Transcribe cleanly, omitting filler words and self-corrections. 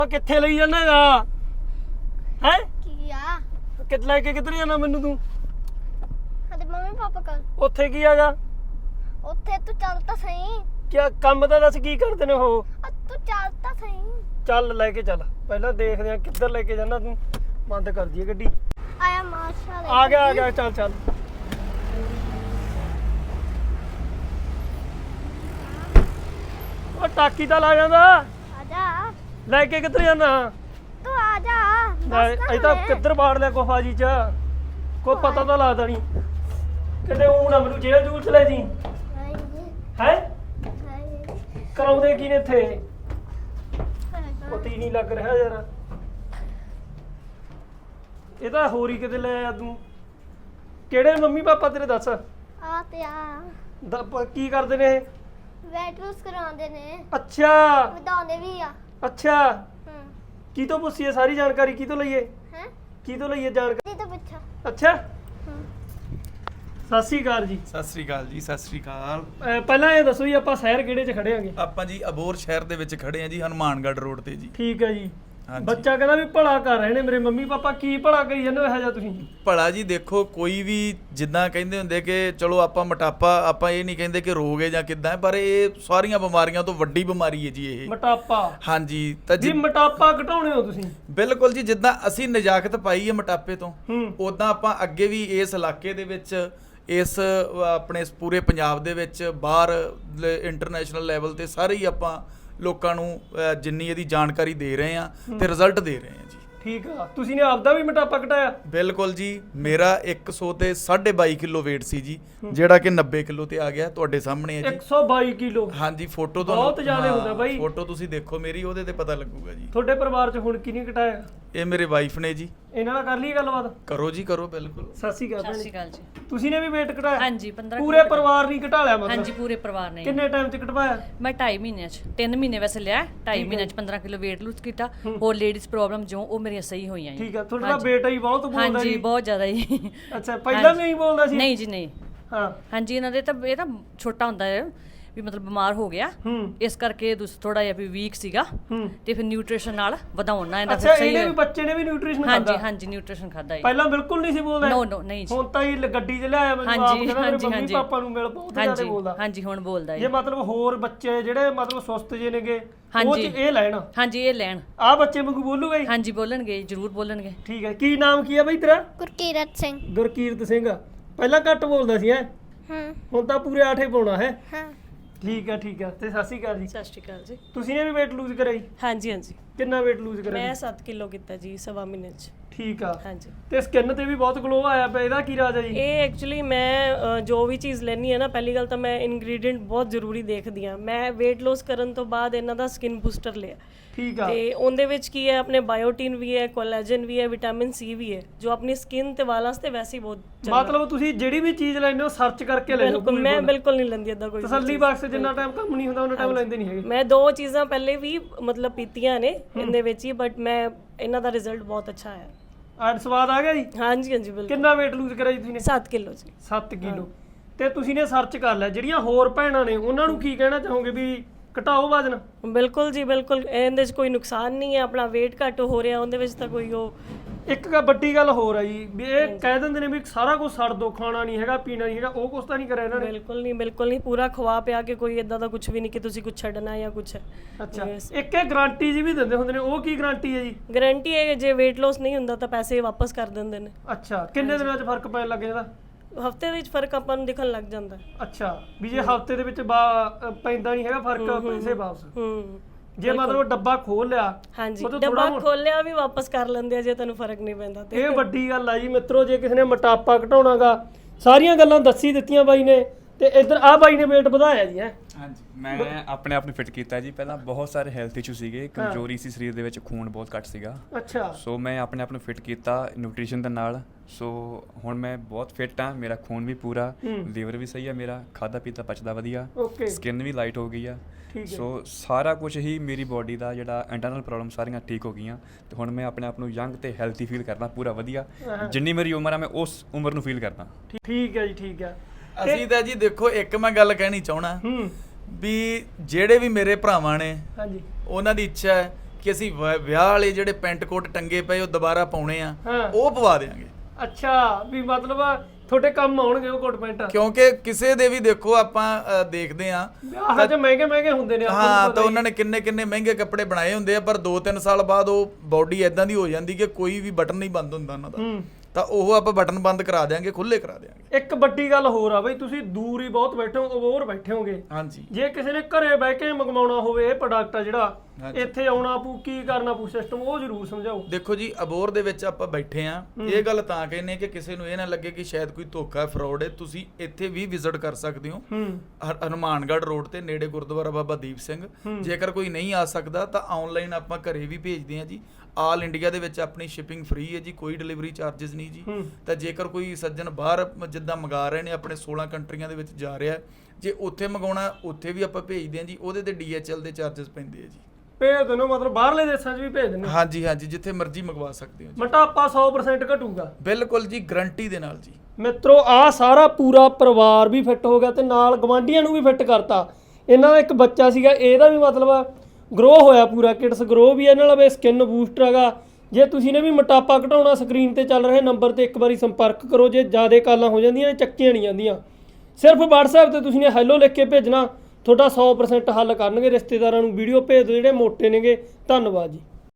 ਕਿੱਥੇ ਲਈ ਜਾਣਾਗਾ ਹੈ ਕੀ ਆ ਕਿੱਥੇ ਲੈ ਕੇ ਕਿੱਧਰ ਜਾਣਾ ਮੈਨੂੰ ਤੂੰ ਸਾਡੇ ਮੰਮੀ ਪਾਪਾ ਕੋਲ ਉੱਥੇ ਕੀ ਹੈਗਾ ਉੱਥੇ ਤੂੰ ਚੱਲ ਤਾਂ ਸਹੀ ਕੀ ਕੰਮ ਤਾਂ ਦੱਸ ਕੀ ਕਰਦੇ ਨੇ ਉਹ ਤੂੰ ਚੱਲ ਤਾਂ ਸਹੀ ਚੱਲ ਲੈ ਕੇ ਚੱਲ ਪਹਿਲਾਂ ਦੇਖਦੇ ਆ ਕਿੱਧਰ ਲੈ ਕੇ ਜਾਣਾ ਤੂੰ ਬੰਦ ਕਰ ਦਈਏ ਗੱਡੀ ਆਇਆ ਮਾਸ਼ਾ ਆ ਗਿਆ ਚੱਲ ਚੱਲ ਉਹ ਟਾਕੀ ਤਾਂ ਲਾ ਜਾਂਦਾ ਆ ਜਾ ਲੈ ਕੇ ਕਿੱਧਰ ਜਾਣਾ ਤੂੰ ਆ ਜਾ ਅਜੇ ਤਾਂ ਕਿੱਧਰ ਬਾੜ ਲਿਆ ਕੋਫਾਜੀ ਚ ਕੋਈ ਪਤਾ ਤਾਂ ਲੱਗਦਾ ਨਹੀਂ ਕਿਤੇ ਉਹ ਨਾ ਮੈਨੂੰ ਜੇਲ੍ਹ ਜੂਲ ਚ ਲੈ ਜੀ ਹੈ ਕਰਾਉਂਦੇ ਕੀ ਨੇ ਇੱਥੇ ਪਤਾ ਹੀ ਨਹੀਂ ਲੱਗ ਰਿਹਾ ਯਾਰ ਇਹ ਤਾਂ ਹੋਰ ਹੀ ਕਿਤੇ ਲੈ ਆ ਤੂੰ ਕਿਹੜੇ ਮੰਮੀ ਪਾਪਾ ਤੇਰੇ ਦੱਸ ਆ ਤੇ ਆ ਕੀ ਕਰਦੇ ਨੇ ਇਹ ਵੇਟ ਲੂਸ ਕਰਾਉਂਦੇ ਨੇ ਅੱਛਾ ਵਧਾਉਂਦੇ ਵੀ ਆ ਅੱਛਾ ਹੂੰ ਕੀ ਤੋਂ ਪੁੱਛੀਏ ਸਾਰੀ ਜਾਣਕਾਰੀ ਕੀ ਤੋਂ ਲਈਏ ਹੈ ਕੀ ਤੋਂ ਲਈਏ ਜਾਣਕਾਰੀ ਜੀ ਤਾਂ ਪੁੱਛਾ ਅੱਛਾ ਹੂੰ ਸਤਿ ਸ਼੍ਰੀ ਅਕਾਲ ਜੀ ਸਤਿ ਸ੍ਰੀ ਅਕਾਲ ਜੀ, ਸਤਿ ਸ੍ਰੀ ਅਕਾਲ। ਪਹਿਲਾਂ ਇਹ ਦੱਸੋ ਜੀ ਆਪਾਂ ਸ਼ਹਿਰ ਕਿਹੜੇ 'ਚ ਖੜੇ ਆਂਗੇ ਆਪਾਂ ਜੀ ਅਬੋਹਰ ਸ਼ਹਿਰ ਦੇ ਵਿੱਚ ਖੜੇ ਆ ਜੀ, ਹਨੂਮਾਨਗੜ੍ਹ ਰੋਡ ਤੇ ਜੀ। ਠੀਕ ਹੈ ਜੀ ਹਾਂਜੀ। ਬੱਚਾ ਕਹਿੰਦਾ ਵੀ ਭਲਾ ਕਰ ਰਹੇ ਨੇ ਮੇਰੇ ਮੰਮੀ ਪਾਪਾ ਕੀ ਭਲਾ ਕਰੀ ਜਾਂਦੇ ਹੋ ਇਹੋ ਜਿਹਾ ਤੁਸੀਂ ਭਲਾ ਜੀ ਦੇਖੋ ਕੋਈ ਵੀ ਜਿੱਦਾਂ ਕਹਿੰਦੇ ਹੁੰਦੇ ਕਿ ਚਲੋ ਆਪਾਂ ਮੋਟਾਪਾ ਆਪਾਂ ਇਹ ਨਹੀਂ ਕਹਿੰਦੇ ਕਿ ਰੋਗ ਹੈ ਜਾਂ ਕਿੱਦਾਂ ਹੈ, ਪਰ ਇਹ ਸਾਰੀਆਂ ਬਿਮਾਰੀਆਂ ਤੋਂ ਵੱਡੀ ਬਿਮਾਰੀ ਹੈ ਜੀ ਇਹ। ਮੋਟਾਪਾ ਹਾਂਜੀ ਤਾਂ ਜੀ ਜੀ ਮੋਟਾਪਾ ਘਟਾਉਣੇ ਹੋ ਤੁਸੀਂ ਬਿਲਕੁਲ ਜੀ, ਜਿੱਦਾਂ ਅਸੀਂ ਨਜਾਕਤ ਪਾਈ ਹੈ ਮੋਟਾਪੇ ਤੋਂ ਹੂੰ ਉਦਾਂ ਆਪਾਂ ਅੱਗੇ ਵੀ ਇਸ ਇਲਾਕੇ ਦੇ ਵਿੱਚ ਇਸ ਆਪਣੇ ਇਸ ਪੂਰੇ ਪੰਜਾਬ ਦੇ ਵਿੱਚ ਬਾਹਰ ਇੰਟਰਨੈਸ਼ਨਲ ਲੈਵਲ ਤੇ ਸਾਰੇ ਹੀ ਆਪਾਂ ਲੋਕਾਂ ਨੂੰ ਜਿੰਨੀ ਇਹਦੀ ਜਾਣਕਾਰੀ ਦੇ ਰਹੇ ਆ ਤੇ ਰਿਜ਼ਲਟ ਦੇ ਰਹੇ ਆ ਜੀ। ਠੀਕ ਆ ਤੁਸੀਂ ਨੇ ਆਪਦਾ ਵੀ ਮੋਟਾਪਾ ਘਟਾਇਆ ਬਿਲਕੁਲ ਜੀ, ਮੇਰਾ 100 ਤੇ 22.5 ਕਿਲੋ weight ਸੀ ਜੀ, ਜਿਹੜਾ ਕਿ 90 ਕਿਲੋ ਤੇ ਆ ਗਿਆ ਤੁਹਾਡੇ ਸਾਹਮਣੇ ਹੈ ਜੀ। 122 ਕਿਲੋ ਹਾਂਜੀ ਫੋਟੋ ਬਹੁਤ ਜ਼ਿਆਦਾ ਹੁੰਦਾ ਬਾਈ। ਫੋਟੋ ਤੁਸੀਂ ਦੇਖੋ ਮੇਰੀ, ਉਹਦੇ ਤੇ ਪਤਾ ਲੱਗੂਗਾ ਜੀ। ਤੁਹਾਡੇ ਪਰਿਵਾਰ 'ਚ ਹੁਣ ਕਿਹਨੇ ਘਟਾਇਆ ਇਹ ਮੇਰੇ ਵਾਈਫ ਨੇ ਜੀ। ਇਹਨਾਂ ਨਾਲ ਕਰ ਲਈ ਗੱਲਬਾਤ ਕਰੋ ਜੀ ਕਰੋ, ਬਿਲਕੁਲ। ਸਤਿ ਸ਼੍ਰੀ ਅਕਾਲ ਸਤਿ ਭੈਣੇ। ਸ਼੍ਰੀ ਅਕਾਲ ਜੀ। ਤੁਸੀਂ ਨੇ ਵੀ weight ਘਟਾਇਆ ਹਾਂਜੀ 15 ਪੂਰੇ ਪਰਿਵਾਰ ਨਹੀਂ ਘਟਾ ਲਿਆ ਮਤਲਬ ਹਾਂਜੀ ਪੂਰੇ ਪਰਿਵਾਰ ਨੇ। ਕਿੰਨੇ ਟਾਈਮ 'ਚ ਘਟਵਾਇਆ ਮੈਂ 2.5 ਮਹੀਨਿਆਂ ਚ 3 ਮਹੀਨੇ ਵੈਸੇ ਲਿਆ 2.5 ਮਹੀਨਿਆਂ ਚ 15 ਕਿਲੋ weight lose ਕੀਤਾ। ਹੋਰ ਲੇਡੀਜ਼ ਪ੍ਰੋਬਲਮ ਜੋ ਉਹ ਮੇਰੀਆਂ ਸਹੀ ਹੋਈਆਂ ਜੀ। ਠੀਕ ਆ ਤੁਹਾਡਾ ਬੇਟਾ ਹੀ ਬਹੁਤ ਬੋਲਦਾ ਹਾਂਜੀ ਜੀ ਬਹੁਤ ਜ਼ਿਆਦਾ ਜੀ। ਅੱਛਾ ਪਹਿਲਾਂ ਵੀ ਨਹੀਂ ਬੋਲਦਾ ਸੀ ਨਹੀਂ ਜੀ ਨਹੀਂ। ਹਾਂ ਹਾਂਜੀ ਇਹਨਾਂ ਦੇ ਤਾਂ ਇਹ ਤਾਂ ਛੋਟਾ ਹੁੰਦਾ ਹੈ ਵੀ ਮਤਲਬ ਬਿਮਾਰ ਹੋ ਗਿਆ, ਹੂੰ ਇਸ ਕਰਕੇ ਥੋੜਾ ਜਿਹਾ ਵੀ ਵੀਕ ਸੀਗਾ ਹੂੰ ਤੇ ਫਿਰ ਨਿਊਟ੍ਰੀਸ਼ਨ ਨਾਲ ਵਧਾਉਣਾ ਇਹਦਾ ਅੱਛਾ ਫਿਰ ਸਹੀ ਇਹਨੇ ਵੀ ਬੱਚੇ ਨੇ ਵੀ ਨਿਊਟ੍ਰੀਸ਼ਨ ਹਾਂਜੀ ਖਾਦਾ ਹਾਂਜੀ ਨਿਊਟ੍ਰੀਸ਼ਨ ਖਾਦਾ ਜੀ। ਪਹਿਲਾਂ ਬਿਲਕੁਲ ਨਹੀਂ ਸੀ ਬੋਲਦਾ ਨੋ ਨੋ ਨਹੀਂ ਜੀ। ਹੁਣ ਤਾਂ ਹੀ ਗੱਡੀ 'ਚ ਲਿਆਇਆ ਮੈਨੂੰ ਆਪ ਹਾਂਜੀ ਕਹਿੰਦਾ ਮੇਰੇ ਹਾਂਜੀ ਮੰਮੀ ਹਾਂਜੀ ਪਾਪਾ ਨੂੰ ਮਿਲ ਬਹੁਤ ਜ਼ਿਆਦਾ ਹਾਂਜੀ ਬੋਲਦਾ ਹਾਂਜੀ ਹੁਣ ਬੋਲਦਾ ਜੇ ਜੀ। ਮਤਲਬ ਹੋਰ ਬੱਚੇ ਜਿਹੜੇ ਮਤਲਬ ਸੁਸਤ ਜੇ ਨੇਗੇ ਉਹ ਹਾਂਜੀ। ਚ ਇਹ ਲੈਣ ਹਾਂਜੀ ਇਹ ਲੈਣ। ਆਹ ਬੱਚੇ ਵਾਂਗੂ ਬੋਲੂਗਾ ਹੀ ਹਾਂਜੀ ਬੋਲਣਗੇ ਜ਼ਰੂਰ ਬੋਲਣਗੇ। ਠੀਕ ਹੈ ਕੀ ਨਾਮ ਕੀ ਹੈ ਬਈ ਤੇਰਾ ਗੁਰਕੀਰਤ ਸਿੰਘ ਗੁਰਕੀਰਤ ਸਿੰਘ ਪਹਿਲਾਂ ਘੱਟ ਬੋਲਦਾ ਸੀ ਹੈ ਹਾਂ ਹੁਣ ਤਾਂ ਪੂਰੇ 8 ਹੀ ਪਾਉਣਾ ਹੈ ਹਾਂ ਠੀਕ ਹੈ ਤੇ ਸਤਿ ਸ਼੍ਰੀ ਅਕਾਲ ਜੀ। ਸਤਿ ਸ਼੍ਰੀ ਅਕਾਲ ਜੀ। ਤੁਸੀਂ ਨੇ ਵੀ weight lose ਕਰਿਆ ਜੀ ਹਾਂਜੀ ਹਾਂਜੀ ਕਿੰਨਾ weight lose ਕਰਿਆ ਮੈਂ ਜੀ? 7 ਕਿਲੋ ਕੀਤਾ ਜੀ ਸਵਾ ਮਹੀਨੇ ਚ। ਠੀਕ ਆ ਹਾਂਜੀ ਤੇ ਸਕਿਨ ਤੇ ਵੀ ਬਹੁਤ ਗਲੋ ਆਇਆ ਪਿਆ ਇਹਦਾ ਕੀ ਰਾਜ ਹੈ ਜੀ ਇਹ ਐਕਚੁਅਲੀ ਮੈਂ ਜੋ ਵੀ ਚੀਜ਼ ਲੈਣੀ ਹੈ ਨਾ, ਪਹਿਲੀ ਗੱਲ ਤਾਂ ਮੈਂ ਇਨਗਰੀਡੀਐਂਟ ਬਹੁਤ ਜ਼ਰੂਰੀ ਦੇਖਦੀ ਆ। ਮੈਂ weight loss ਕਰਨ ਤੋਂ ਬਾਅਦ ਇਹਨਾਂ ਦਾ ਸਕਿਨ ਬੂਸਟਰ ਲਿਆ ਠੀਕ ਆ ਤੇ ਉਹਦੇ ਵਿੱਚ ਕੀ ਹੈ, ਆਪਣੇ ਬਾਇਓਟਿਨ ਵੀ ਹੈ, ਕੋਲੇਜਨ ਵੀ ਹੈ, ਵਿਟਾਮਿਨ ਸੀ ਵੀ ਹੈ, ਜੋ ਆਪਣੀ ਸਕਿਨ ਤੇ ਵਾਲਾਂ ਵਾਸਤੇ ਵੈਸੇ ਹੀ ਬਹੁਤ ਚੰਗਾ। ਮਤਲਬ ਤੁਸੀਂ ਜਿਹੜੀ ਵੀ ਚੀਜ਼ ਲੈਂਦੇ ਹੋ ਸਰਚ ਕਰਕੇ ਲੈ ਲਓ ਬਿਲਕੁਲ ਮੈਂ ਬਿਲਕੁਲ ਨਹੀਂ ਲੈਂਦੀ ਏਦਾਂ ਕੋਈ ਤਸੱਲੀ ਬਖਸ਼ ਜਿੰਨਾ ਟਾਈਮ ਕੰਮ ਨਹੀਂ ਹੁੰਦਾ ਉਹਨਾਂ ਟਾਈਮ ਲੈਂਦੇ ਨਹੀਂ ਹੈਗੇ ਮੈਂ 2 ਚੀਜ਼ਾਂ ਪਹਿਲੇ ਵੀ ਮਤਲਬ ਪੀਤੀਆਂ ਨੇ ਇਹਦੇ ਵਿੱਚ ਹੀ, ਬਟ ਮੈਂ ਇਹਨਾਂ ਦਾ ਰਿਜ਼ਲਟ ਬਹੁਤ ਅੱਛਾ ਆਇਆ। ਅੱਜ ਸਵਾਦ ਆ ਗਿਆ ਜੀ ਹਾਂਜੀ ਹਾਂਜੀ ਬਿਲਕੁਲ। ਕਿੰਨਾ weight lose ਕਰਿਆ ਜੀ ਤੁਸੀਂ ਨੇ 7 ਕਿਲੋ ਜੀ। 7 ਕਿਲੋ ਤੇ ਤੁਸੀਂ ਨੇ ਸਰਚ ਕਰ ਲਿਆ ਜਿਹੜੀਆਂ ਹੋਰ ਭੈਣਾਂ ਨੇ ਉਹਨਾਂ ਨੂੰ ਕੀ ਕਹਿਣਾ ਚਾਹੋਗੇ ਵੀ ਘਟਾਓ ਵਜ਼ਨ ਬਿਲਕੁਲ ਜੀ ਬਿਲਕੁਲ, ਇਹਦੇ 'ਚ ਕੋਈ ਨੁਕਸਾਨ ਨਹੀਂ ਹੈ। ਆਪਣਾ weight ਘੱਟ ਹੋ ਰਿਹਾ ਉਹਦੇ ਵਿੱਚ ਤਾਂ ਕੋਈ ਉਹ ਇੱਕ ਵੱਡੀ ਗੱਲ ਹੋਰ ਆ ਜੀ ਵੀ ਇਹ ਕਹਿ ਦਿੰਦੇ ਨੇ ਵੀ ਸਾਰਾ ਕੁਝ ਛੱਡ ਦੋ, ਖਾਣਾ ਨਹੀਂ ਹੈਗਾ ਪੀਣਾ ਨਹੀਂ ਹੈਗਾ, ਉਹ ਕੁਛ ਤਾਂ ਨਹੀਂ ਕਰਿਆ ਇਹਨਾਂ ਨੇ ਬਿਲਕੁਲ ਨਹੀਂ ਪੂਰਾ ਖਵਾ ਪਿਆ ਕੇ ਕੋਈ ਇਦਾਂ ਦਾ ਕੁਝ ਵੀ ਨਹੀਂ ਕਿ ਤੁਸੀਂ ਕੁਝ ਛੱਡਣਾ ਜਾਂ ਕੁਝ ਹੈ। ਅੱਛਾ ਇੱਕ ਇਹ ਗਾਰੰਟੀ ਜੀ ਵੀ ਦਿੰਦੇ ਹੁੰਦੇ ਨੇ, ਉਹ ਕੀ ਗਾਰੰਟੀ ਹੈ ਜੀ ਗਾਰੰਟੀ ਹੈ ਕਿ ਜੇ weight loss ਨਹੀਂ ਹੁੰਦਾ ਤਾਂ ਪੈਸੇ ਵਾਪਸ ਕਰ ਦਿੰਦੇ ਨੇ। ਅੱਛਾ ਕਿੰਨੇ ਦਿਨਾਂ 'ਚ ਫਰਕ ਪੈਣ ਲੱਗ ਜਾਂਦਾ ਹਫਤੇ ਵਿੱਚ ਫਰਕ ਆਪਾਂ ਨੂੰ ਦਿਖਣ ਲੱਗ ਜਾਂਦਾ ਹੈ। ਅੱਛਾ ਵੀ ਜੇ ਹਫਤੇ ਦੇ ਵਿੱਚ ਪੈਂਦਾ ਨਹੀਂ ਹੈਗਾ ਫਰਕ ਪੈਸੇ ਵਾਪਸ ਜੇ ਮਤਲਬ ਡੱਬਾ ਖੋਲ ਲਿਆ ਹਾਂਜੀ ਮਤਲਬ ਡੱਬਾ ਥੋੜ੍ਹਾ ਖੋਲਿਆ ਵੀ ਵਾਪਸ ਕਰ ਲੈਂਦੇ ਆ ਜੇ ਤੁਹਾਨੂੰ ਫਰਕ ਨਹੀਂ ਪੈਂਦਾ ਤੇ। ਇਹ ਵੱਡੀ ਗੱਲ ਆ ਜੀ ਮਿੱਤਰੋ, ਜੇ ਕਿਸੇ ਨੇ ਮੋਟਾਪਾ ਘਟਾਉਣਾਗਾ ਸਾਰੀਆਂ ਗੱਲਾਂ ਦੱਸੀ ਦਿੱਤੀਆਂ ਬਾਈ ਨੇ ਤੇ ਇੱਧਰ ਆ ਬਾਈ ਨੇ weight ਵਧਾਇਆ ਜੀ ਹੈ। ਹਾਂਜੀ ਮੈਂ ਆਪਣੇ ਆਪ ਨੂੰ ਫਿਟ ਕੀਤਾ ਜੀ। ਪਹਿਲਾਂ ਬਹੁਤ ਸਾਰੇ ਹੈਲਥ ਇਸ਼ੂ ਸੀਗੇ, ਕਮਜ਼ੋਰੀ ਸੀ ਸਰੀਰ ਦੇ ਵਿੱਚ, ਖੂਨ ਬਹੁਤ ਘੱਟ ਸੀਗਾ। ਅੱਛਾ ਸੋ ਮੈਂ ਆਪਣੇ ਆਪ ਨੂੰ ਫਿਟ ਕੀਤਾ ਨਿਊਟ੍ਰੀਸ਼ਨ ਦੇ ਨਾਲ। ਸੋ ਹੁਣ ਮੈਂ ਬਹੁਤ ਫਿਟ ਹਾਂ, ਮੇਰਾ ਖੂਨ ਵੀ ਪੂਰਾ, ਲੀਵਰ ਵੀ ਸਹੀ ਹੈ ਮੇਰਾ, ਖਾਦਾ ਪੀਤਾ ਪਚਦਾ ਵਧੀਆ, ਓਕੇ ਸਕਿਨ ਵੀ ਲਾਈਟ ਹੋ ਗਈ ਆ। ਠੀਕ ਹੈ ਸੋ ਸਾਰਾ ਕੁਝ ਹੀ ਮੇਰੀ ਬਾਡੀ ਦਾ ਜਿਹੜਾ ਇੰਟਰਨਲ ਪ੍ਰੋਬਲਮ ਸਾਰੀਆਂ ਠੀਕ ਹੋ ਗਈਆਂ ਤੇ ਹੁਣ ਮੈਂ ਆਪਣੇ ਆਪ ਨੂੰ ਯੰਗ ਤੇ ਹੈਲਥੀ ਫੀਲ ਕਰਦਾ ਪੂਰਾ ਵਧੀਆ। ਜਿੰਨੀ ਮੇਰੀ ਉਮਰ ਆ ਮੈਂ ਉਸ ਉਮਰ ਨੂੰ ਫੀਲ ਕਰਦਾ। ਠੀਕ ਹੈ ਜੀ ਠੀਕ ਹੈ। ਅਸੀਂ ਤਾਂ ਜੀ ਦੇਖੋ ਇੱਕ ਮੈਂ ਗੱਲ ਕਹਿਣੀ ਚਾਹਣਾ ਹੂੰ ਵੀ ਜਿਹੜੇ ਵੀ ਮੇਰੇ ਭਰਾਵਾਂ ਨੇ ਹਾਂਜੀ ਉਹਨਾਂ ਦੀ ਇੱਛਾ ਹੈ ਕਿ ਅਸੀਂ ਵਿਆਹ ਵਾਲੇ ਜਿਹੜੇ ਪੈਂਟ ਕੋਟ ਟੰਗੇ ਪਏ ਉਹ ਦੁਬਾਰਾ ਪਾਉਣੇ ਆ, ਹਾਂ। ਉਹ ਪਵਾ ਦੇਾਂਗੇ। ਅੱਛਾ ਵੀ ਮਤਲਬ ਤੁਹਾਡੇ ਕੰਮ ਆਉਣਗੇ ਉਹ ਕੋਟ ਪੈਂਟ। ਕਿਉਂਕਿ ਕਿਸੇ ਦੇ ਵੀ ਦੇਖੋ ਆਪਾਂ ਦੇਖਦੇ ਆ ਵਿਆਹਾਂ 'ਚ ਮਹਿੰਗੇ ਹੁੰਦੇ ਨੇ, ਆਪਾਂ ਨੂੰ ਹਾਂ, ਪਤਾ ਤਾਂ ਹੀ। ਉਹਨਾਂ ਨੇ ਕਿੰਨੇ ਮਹਿੰਗੇ ਕੱਪੜੇ ਬਣਾਏ ਹੁੰਦੇ ਆ, ਪਰ 2-3 ਸਾਲ ਬਾਅਦ ਉਹ ਬਾਡੀ ਐਦਾਂ ਦੀ ਹੋ ਜਾਂਦੀ ਕਿ ਕੋਈ ਵੀ ਬਟਨ ਨਹੀਂ ਬੰਦ ਹੁੰਦਾ ਉਹਨਾਂ ਦਾ। ਤਾਂ ਉਹ ਆਪਾਂ ਬਟਨ ਬੰਦ ਕਰਾ ਦਿਆਂਗੇ, ਖੁੱਲੇ ਕਰਾ ਦਿਆਂਗੇ। ਇੱਕ ਵੱਡੀ ਗੱਲ ਹੋਰ ਆ ਬਈ, ਤੁਸੀਂ ਦੂਰ ਹੀ ਬਹੁਤ ਬੈਠੇ ਹੋ, ਅਬੋਹਰ ਬੈਠੇ ਹੋਗੇ। ਹਾਂਜੀ। ਜੇ ਕਿਸੇ ਨੇ ਘਰੇ ਬਹਿ ਕੇ ਮੰਗਵਾਉਣਾ ਹੋਵੇ ਇਹ ਪ੍ਰੋਡਕਟ ਆ ਜਿਹੜਾ, ਇੱਥੇ ਆਉਣਾ ਪਊ, ਕੀ ਕਰਨਾ ਪਊ ਸਿਸਟਮ, ਉਹ ਜ਼ਰੂਰ ਸਮਝਾਓ। ਦੇਖੋ ਜੀ, ਅਬੋਹਰ ਦੇ ਵਿੱਚ ਆਪਾਂ ਬੈਠੇ ਆ, ਇਹ ਗੱਲ ਤਾਂ ਕਹਿੰਨੇ ਕਿ ਕਿਸੇ ਨੂੰ ਇਹ ਨਾ ਲੱਗੇ ਕਿ ਸ਼ਾਇਦ ਕੋਈ ਧੋਖਾ ਫਰਾਡ ਹੈ। ਤੁਸੀਂ ਇੱਥੇ ਵੀ ਵਿਜ਼ਿਟ ਕਰ ਸਕਦੇ ਹੋ, ਹਨੂਮਾਨਗੜ੍ਹ ਰੋਡ ਤੇ ਨੇੜੇ ਗੁਰਦੁਆਰਾ ਬਾਬਾ ਦੀਪ ਸਿੰਘ। ਜੇਕਰ ਕੋਈ ਨਹੀਂ ਆ ਸਕਦਾ ਤਾਂ ਆਨਲਾਈਨ ਆਪਾਂ ਘਰੇ ਵੀ ਭੇਜਦੇ ਆ ਜੀ। ਆਲ ਇੰਡੀਆ ਦੇ ਵਿੱਚ ਆਪਣੀ ਸ਼ਿਪਿੰਗ ਫ੍ਰੀ ਹੈ ਜੀ, ਕੋਈ ਡਿਲੀਵਰੀ ਚਾਰजेस ਨਹੀਂ ਜੀ। ਤਾਂ ਜੇਕਰ ਕੋਈ ਸੱਜਣ ਬਾਹਰ ਜਿੱਦਾਂ ਮੰਗਾ ਰਹੇ ਨੇ, ਆਪਣੇ 16 ਕੰਟਰੀਆਂ ਦੇ ਵਿੱਚ ਜਾ ਰਿਹਾ, ਜੇ ਉੱਥੇ ਮੰਗਾਉਣਾ ਉੱਥੇ ਵੀ ਆਪਾਂ ਭੇਜਦੇ ਆ ਜੀ। ਉਹਦੇ ਤੇ DHL ਦੇ ਚਾਰजेस ਪੈਂਦੇ ਆ ਜੀ। ਭੇਜ ਦਿੰਦੇ ਹੋ ਮਤਲਬ ਬਾਹਰਲੇ ਦੇਸ਼ਾਂ 'ਚ ਵੀ ਭੇਜ ਦਿੰਦੇ ਹੋ? ਹਾਂਜੀ, ਜਿੱਥੇ ਮਰਜ਼ੀ ਮੰਗਵਾ ਸਕਦੇ ਹੋ ਜੀ। ਮੋਟਾਪਾ 100% ਘਟੂਗਾ? ਬਿਲਕੁਲ ਜੀ, ਗਰੰਟੀ ਦੇ ਨਾਲ ਜੀ। ਮਿੱਤਰੋ ਆ ਸਾਰਾ ਪੂਰਾ ਪਰਿਵਾਰ ਵੀ ਫਿੱਟ ਹੋ ਗਿਆ ਤੇ ਨਾਲ ਗਵਾਂਢੀਆਂ ਨੂੰ ਵੀ ਫਿੱਟ ਕਰਤਾ। ਇਹਨਾਂ ਦਾ ਇੱਕ ਬੱਚਾ ਸੀਗਾ, ਇਹਦਾ ਵੀ ਮਤਲਬ ਗਰੋ ਹੋਇਆ ਪੂਰਾ, ਕਿਡਸ ਗਰੋ ਵੀ ਇਹਨਾਂ ਨਾਲ ਸਕਿਨ ਬੂਸਟਰ ਹੈਗਾ। ਜੇ ਤੁਸੀਂ ਨੇ ਵੀ ਮੋਟਾਪਾ ਘਟਾਉਣਾ, ਸਕਰੀਨ ਤੇ ਚੱਲ ਰਹੇ ਨੰਬਰ ਤੇ ਇੱਕ ਵਾਰੀ ਸੰਪਰਕ ਕਰੋ। ਜੇ ਜ਼ਿਆਦਾ ਕਾਲਾਂ ਹੋ ਜਾਂਦੀਆਂ ਨੇ, ਚੱਕੀਆਂ ਨਹੀਂ ਜਾਂਦੀਆਂ, ਸਿਰਫ WhatsApp ਤੇ ਤੁਸੀਂ ਨੇ ਹੈਲੋ ਲਿਖ ਕੇ ਭੇਜਣਾ, ਤੁਹਾਡਾ 100% ਹੱਲ ਕਰਨਗੇ। ਰਿਸ਼ਤੇਦਾਰਾਂ ਨੂੰ ਵੀਡੀਓ ਭੇਜ ਦਿਓ ਜਿਹੜੇ ਮੋਟੇ ਨੇਗੇ। ਧੰਨਵਾਦ ਜੀ।